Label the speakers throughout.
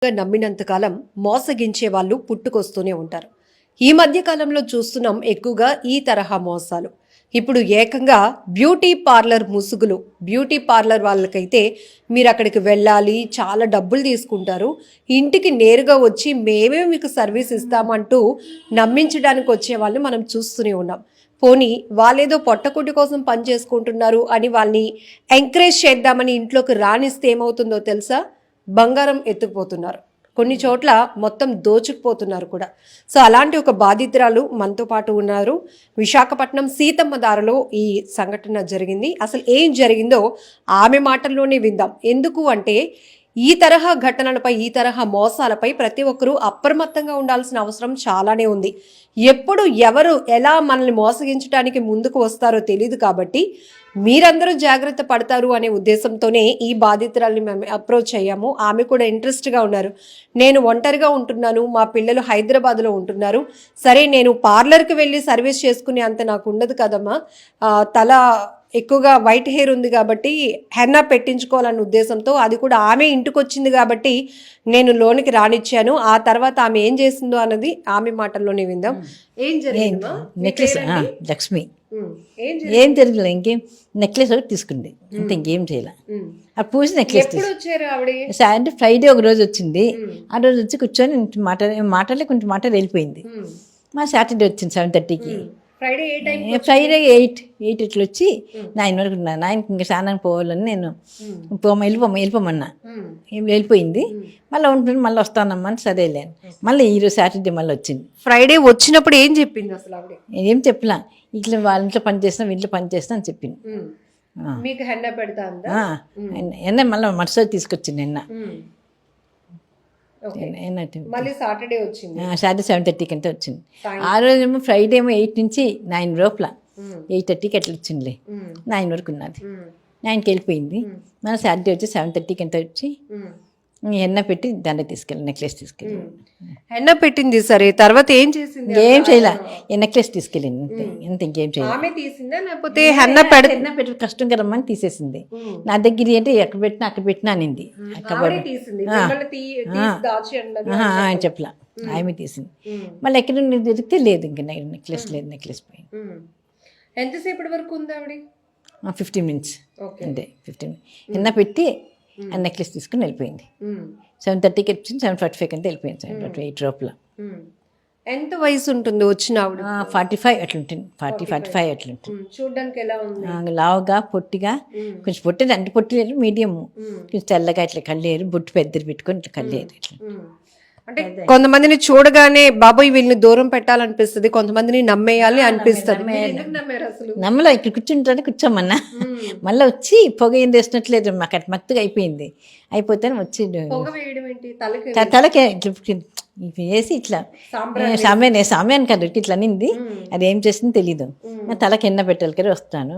Speaker 1: నమ్మినంతకాలం మోసగించే వాళ్ళు పుట్టుకొస్తూనే ఉంటారు. ఈ మధ్య కాలంలో చూస్తున్నాం ఎక్కువగా ఈ తరహా మోసాలు. ఇప్పుడు ఏకంగా బ్యూటీ పార్లర్ ముసుగులు, బ్యూటీ పార్లర్ వాళ్ళకైతే మీరు అక్కడికి వెళ్ళాలి, చాలా డబ్బులు తీసుకుంటారు, ఇంటికి నేరుగా వచ్చి మేమే మీకు సర్వీస్ ఇస్తామంటూ నమ్మించడానికి వచ్చే వాళ్ళని మనం చూస్తూనే ఉన్నాం. పోనీ వాళ్ళేదో పొట్టకుటి కోసం పని చేసుకుంటున్నారు అని వాళ్ళని ఎంకరేజ్ చేద్దామని ఇంట్లోకి రానిస్తే ఏమవుతుందో తెలుసా? బంగారం ఎత్తుకుపోతున్నారు, కొన్ని చోట్ల మొత్తం దోచుకుపోతున్నారు కూడా. సో అలాంటి ఒక బాధితురాలు మనతో పాటు ఉన్నారు. విశాఖపట్నం సీతమ్మ దారిలో ఈ సంఘటన జరిగింది. అసలు ఏం జరిగిందో ఆమె మాటల్లోనే విందాం. ఎందుకు అంటే ఈ తరహా ఘటనలపై, ఈ తరహా మోసాలపై ప్రతి ఒక్కరూ అప్రమత్తంగా ఉండాల్సిన అవసరం చాలానే ఉంది. ఎప్పుడు ఎవరు ఎలా మనల్ని మోసగించడానికి ముందుకు వస్తారో తెలియదు, కాబట్టి మీరందరూ జాగ్రత్త పడతారు అనే ఉద్దేశంతోనే ఈ బాధితురాల్ని మేము అప్రోచ్ అయ్యాము. ఆమె కూడా ఇంట్రెస్ట్గా ఉన్నారు. నేను ఒంటరిగా ఉంటున్నాను, మా పిల్లలు హైదరాబాద్లో ఉంటున్నారు, సరే నేను పార్లర్కి వెళ్ళి సర్వీస్ చేసుకునే అంత నాకు ఉండదు కదమ్మా, తల ఎక్కువగా వైట్ హెయిర్ ఉంది కాబట్టి హెన్నా పెట్టించుకోవాలన్న ఉద్దేశంతో, అది కూడా ఆమె ఇంటికి వచ్చింది కాబట్టి నేను లోనికి రానిచ్చాను. ఆ తర్వాత ఆమె ఏం చేసిందో అన్నది ఆమె మాటల్లోనే విందాం. ఏం జరిగింది?
Speaker 2: నెక్లెస్ లక్ష్మి ఏం జరిగింది, ఇంకేం నెక్లెస్ ఒకటి తీసుకుంది అంటే ఇంకేం చేయాలి. ఆ పూసి నెక్లెస్ అంటే ఫ్రైడే ఒక రోజు వచ్చింది. ఆ రోజు వచ్చి కూర్చొని మాటలే కొంచెం మాటలు వెళ్ళిపోయింది. మా సాటర్డే వచ్చింది 7:30కి. ఫ్రైడే 8 ఇట్లా వచ్చి 9 వరకు ఉన్నా. 9కి ఇంకా స్నానానికి పోవాలని నేను వెళ్ళిపోమన్నా. వెళ్ళిపోయింది. మళ్ళీ ఉంటుంది, మళ్ళీ వస్తానమ్మా అని సరే లేను. మళ్ళీ ఈరోజు సాటర్డే మళ్ళీ వచ్చింది.
Speaker 1: ఫ్రైడే వచ్చినప్పుడు ఏం చెప్పింది అసలు?
Speaker 2: ఏం చెప్పలా, ఇట్లా వాళ్ళ ఇంట్లో పని చేస్తాం, ఇంట్లో పని చేస్తాం అని చెప్పింది.
Speaker 1: మీకు హెన్నా పెడతా
Speaker 2: ఎన్న మళ్ళీ మరుసటి తీసుకొచ్చింది నిన్న.
Speaker 1: సాటర్డే వచ్చింది.
Speaker 2: సాటర్డే 7:30కి అంటే వచ్చింది. ఆ రోజు ఏమో ఫ్రైడే ఏమో 8 నుంచి 9 లోపల 8:30కి అట్లా వచ్చిందిలే. 9 వరకు ఉన్నది. 9కి వెళ్ళిపోయింది. మన సాటర్డే వచ్చి 7:30కి ఎంత వచ్చి ఎన్న పెట్టి దండ తీసుకెళ్ళి నెక్లెస్ తీసుకెళ్ళి
Speaker 1: హెన్న పెట్టింది. సరే, తర్వాత ఏం చేసింది?
Speaker 2: ఏం చేయలే, నెక్లెస్ తీసుకెళ్ళింది అంత, ఇంకేం చేయలేదు.
Speaker 1: హెన్న
Speaker 2: పెట్టి కష్టం కదమ్మని తీసేసింది. నా దగ్గర అంటే ఎక్కడ పెట్టినా అక్కడ పెట్టినా అనింది. ఆయన చెప్పలా, ఆమె తీసింది. మళ్ళీ ఎక్కడ దొరికితే లేదు, ఇంకా నెక్లెస్ లేదు, నెక్లెస్ పోయింది.
Speaker 1: ఎంతసేపటి వరకు ఉంది ఆవిడ?
Speaker 2: 15 మినిట్స్ అంతే. 15 ఎన్న పెట్టి ఆ నెక్లెస్ తీసుకుని వెళ్ళిపోయింది. 7:30కి వచ్చింది. 7:45 అంటే వెళ్ళిపోయింది. 7:48 లోపల.
Speaker 1: ఎంత వయసు ఉంటుంది వచ్చిన ఆవిడ?
Speaker 2: 45 అట్లుంటుంది. 40-45 అట్లుంటుంది.
Speaker 1: చూడడానికి ఎలా ఉంది?
Speaker 2: లావుగా, పొట్టిగా, కొంచెం పొట్టిది అంటే పొట్టి లేదు, మీడియం, కొంచెం తెల్లగా, ఇట్లా కళ్ళేరు, బొట్టు పెద్దది పెట్టుకొని ఇట్లా కళ్ళేరు. ఇట్లా
Speaker 1: అంటే కొంతమందిని చూడగానే బాబాయ్ వీళ్ళని దూరం పెట్టాలనిపిస్తుంది, కొంతమందిని నమ్మేయాలి అనిపిస్తుంది.
Speaker 2: నమ్మలో ఇక్కడ కూర్చుంటే కూర్చోమన్నా. మళ్ళీ వచ్చి పొగ ఏం వేసినట్లేదు, మాకు అట్లా మత్తుగా అయిపోయింది. అయిపోతే వచ్చి తలకే వేసి ఇట్లా సామ్యాన్ని కదా ఇట్లా అనింది. అది ఏం చేసింది తెలీదు. తలకి ఎన్న పెట్టాలి కదా, వస్తాను.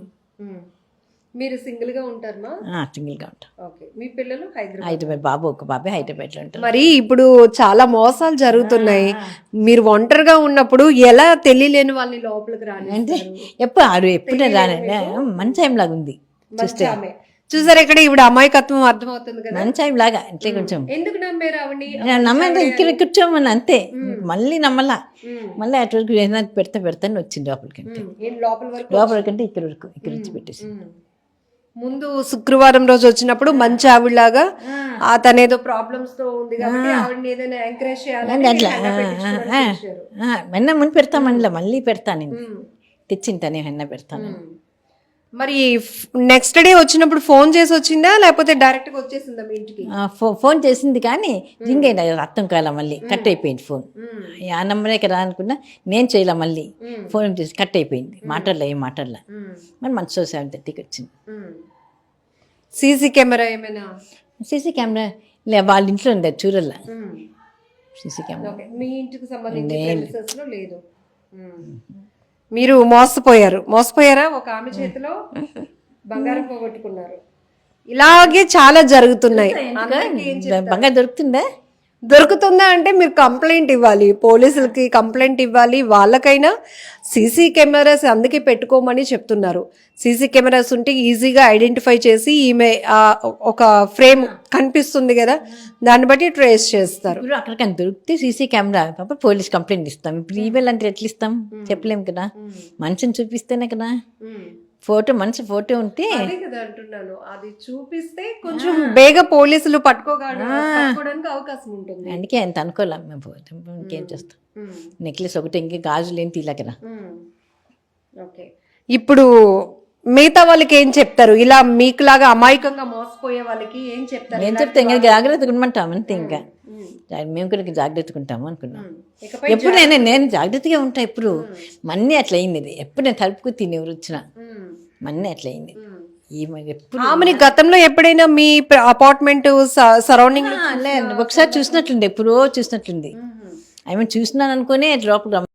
Speaker 1: మీరు సింగిల్ గా ఉంటారా?
Speaker 2: సింగిల్ గా ఉంటాం.
Speaker 1: మీ పిల్లలు
Speaker 2: హైదరాబాద్, బాబు ఒక బాబే హైదరాబాద్ లో ఉంటారు.
Speaker 1: మరి ఇప్పుడు చాలా మోసాలు జరుగుతున్నాయి. మీరు ఒంటరిగా ఉన్నప్పుడు ఎలా తెలియలేని వాళ్ళని లోపలికి రాని
Speaker 2: అంటే ఎప్పుడు రాని మంచి టైం లాగా ఉంది.
Speaker 1: చూసారు ఇక్కడ ఇప్పుడు అమాయకత్వం అర్థమవుతుంది కదా,
Speaker 2: మంచి టైం లాగా. అంటే కొంచెం
Speaker 1: ఎందుకు నమ్మారు ఆవిడ?
Speaker 2: నమ్మంటే ఇక్కడ కూర్చోమని అంతే, మళ్ళీ నమ్మలా. మళ్ళీ అటు వరకు ఏదైనా పెడతాను వచ్చింది లోపలికంటే. లోపలికంటే ఇక్కడ వరకు ఇక్కడ వచ్చి పెట్టేసి.
Speaker 1: ముందు శుక్రవారం రోజు వచ్చినప్పుడు మంచి ఆవిడలాగా తనేదో ప్రాబ్లమ్స్ తో ఉంది కాబట్టి ఆవిడని ఏదైనా ఎంకరేజ్ చేయాలని
Speaker 2: అట్లా వెన్న ముందు పెడతామని మళ్ళీ పెడతాను, తెచ్చింటానే వెన్న పెడతాను.
Speaker 1: మరి నెక్స్ట్ డే వచ్చినప్పుడు ఫోన్ చేసి వచ్చిందా లేకపోతే డైరెక్ట్ గా వచ్చేసిందా మీ ఇంటికి?
Speaker 2: ఫోన్ చేసింది కానీ రింగ్ అయినా అర్థం కాల, మళ్ళీ కట్ అయిపోయింది ఫోన్. ఆ నెంబరే కదా అనుకున్నా, నేను చేయలే. మళ్ళీ ఫోన్ చేసి కట్ అయిపోయింది, మాట్లాడలే, ఏం మాట్లాడలే. మరి మంచి 7:30కి వచ్చింది.
Speaker 1: సీసీ కెమెరా ఏమైనా?
Speaker 2: సీసీ కెమెరా లే, వాళ్ళ ఇంట్లో ఉంది, చూడల్లా. సీసీ కెమెరా
Speaker 1: మీ ఇంటికి సంబంధించి లేదు. మీరు మోసపోయారా? ఒక ఆమె చేతిలో బంగారం పోగొట్టుకున్నారు. ఇలాగే చాలా జరుగుతున్నాయి.
Speaker 2: బంగారం దొరుకుతుందా?
Speaker 1: దొరుకుతుందా అంటే మీరు కంప్లైంట్ ఇవ్వాలి, పోలీసులకి కంప్లైంట్ ఇవ్వాలి. వాళ్ళకైనా సీసీ కెమెరాస్ అందుకే పెట్టుకోమని చెప్తున్నారు. సీసీ కెమెరాస్ ఉంటే ఈజీగా ఐడెంటిఫై చేసి ఈమె ఒక ఫ్రేమ్ కనిపిస్తుంది కదా, దాన్ని బట్టి ట్రేస్ చేస్తారు.
Speaker 2: ఇప్పుడు అక్కడికని దొరికితే సీసీ కెమెరా కాబట్టి పోలీస్ కంప్లైంట్ ఇస్తాం. ఇప్పుడు ఈమెయిల్ అంటే ఎట్లా ఇస్తాం చెప్పలేము కదా, మనిషిని చూపిస్తేనే కదా. ఫోటో మనిషి ఫోటో ఉంటే
Speaker 1: అదే కదా అంటున్నాను, అది చూపిస్తే కొంచెం బేగా పోలీసులు పట్టుకోవడానికి అవకాశం ఉంటుంది.
Speaker 2: అందుకే అంత అనుకోలేం మేము. ఇంకేం చేస్తాం, నెక్లెస్ ఒకటి ఇంకే గాజులు ఏం తీలే కదా.
Speaker 1: ఓకే, ఇప్పుడు మిగతా వాళ్ళకి ఏం చెప్తారు? ఇలా మీకులాగా అమాయకంగా మోసపోయే వాళ్ళకి ఏం చెప్తారు?
Speaker 2: ఏం చెప్తే ఇంకా జాగ్రత్తగా ఉండమంటాం అంతే. ఇంకా మేము కూడా జాగ్రత్తగా ఉంటాము అనుకున్నాం. ఎప్పుడు నేను జాగ్రత్తగా ఉంటా. ఎప్పుడు మన్నీ అట్లా అయింది. ఇది ఎప్పుడు నేను తలుపుకు తిని ఎవరు వచ్చినా మన్నీ అట్లా అయింది. ఎప్పుడు
Speaker 1: ఆమెని గతంలో ఎప్పుడైనా మీ అపార్ట్మెంట్ సరౌండింగ్
Speaker 2: ఒకసారి చూసినట్లుంది, ఎప్పుడో చూసినట్లుంది. ఆమె చూసినాను అనుకునే లోపల